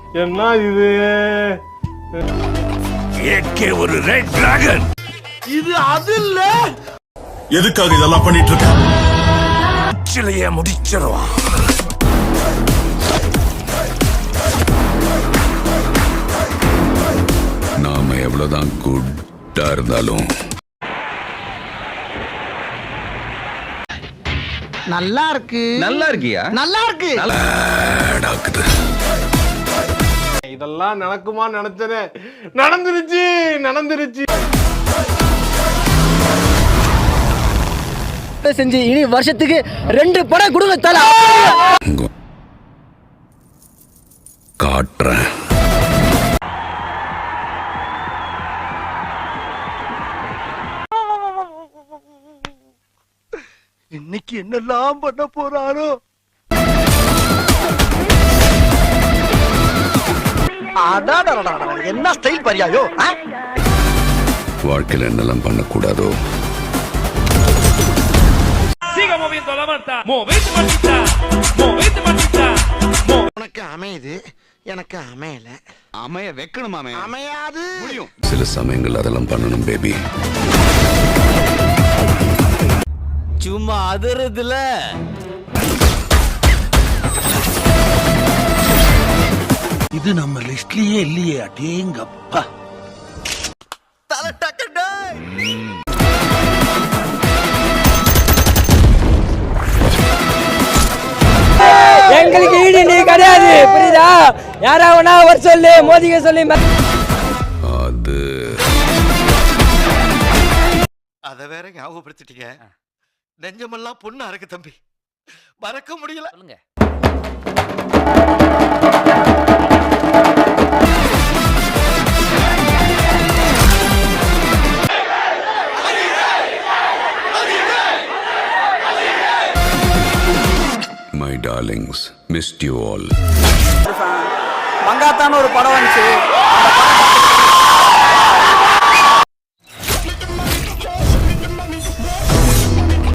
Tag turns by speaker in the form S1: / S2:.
S1: என்ன இது?
S2: ஏகே ஒரு ரெட் டிராகன்.
S1: இது அது இல்ல.
S2: எதுக்காக இதெல்லாம் பண்ணிட்டு இருக்க? சிலைய முடிச்சிருவான். நாம எவ்வளவுதான் குட்டா இருந்தாலும்
S3: நல்லா இருக்கு.
S4: நல்லா இருக்கியா?
S3: நல்லா இருக்கு.
S2: டாக்குது.
S1: இதெல்லாம் நடக்குமா நினைச்சனே, நடந்துருச்சு நடந்துருச்சு.
S3: செஞ்சு இனி வருஷத்துக்கு 2 படம் கொடுங்க தல.
S2: காட்டுறேன்.
S1: இன்னைக்கு என்னெல்லாம் பண்ண போறாரோ? என்ன ஸ்டைல் பரியாயோ?
S2: வாழ்க்கையில என்னெல்லாம் பண்ணக்கூடாதோ.
S3: உனக்கு அமையுது, எனக்கு அமையல.
S4: அமைய வைக்கணுமாமே.
S3: அமையாது.
S4: முடியும்.
S2: சில சமயங்கள் அதெல்லாம் பண்ணணும் பேபி.
S3: சும்மா அதிரதுல
S5: இது நம்ம லிஸ்ட்லயே இல்லையே. அடேங்கப்பா.
S3: தல டக்கடே. எங்களுக்கு ஈடு நீ கிடையாது, புரியுதா? யாராவனா வர சொல்லு, மோதிக்க சொல்லி.
S2: அது
S6: அத வேற ஞாபகப்படுத்திட்டீங்க. நெஞ்சமெல்லாம் பொண்ணா இருக்கு தம்பி, மறக்க முடியல.
S2: My darlings, missed you all.
S3: மங்காத்தான்னு ஒரு படம் வந்துச்சு.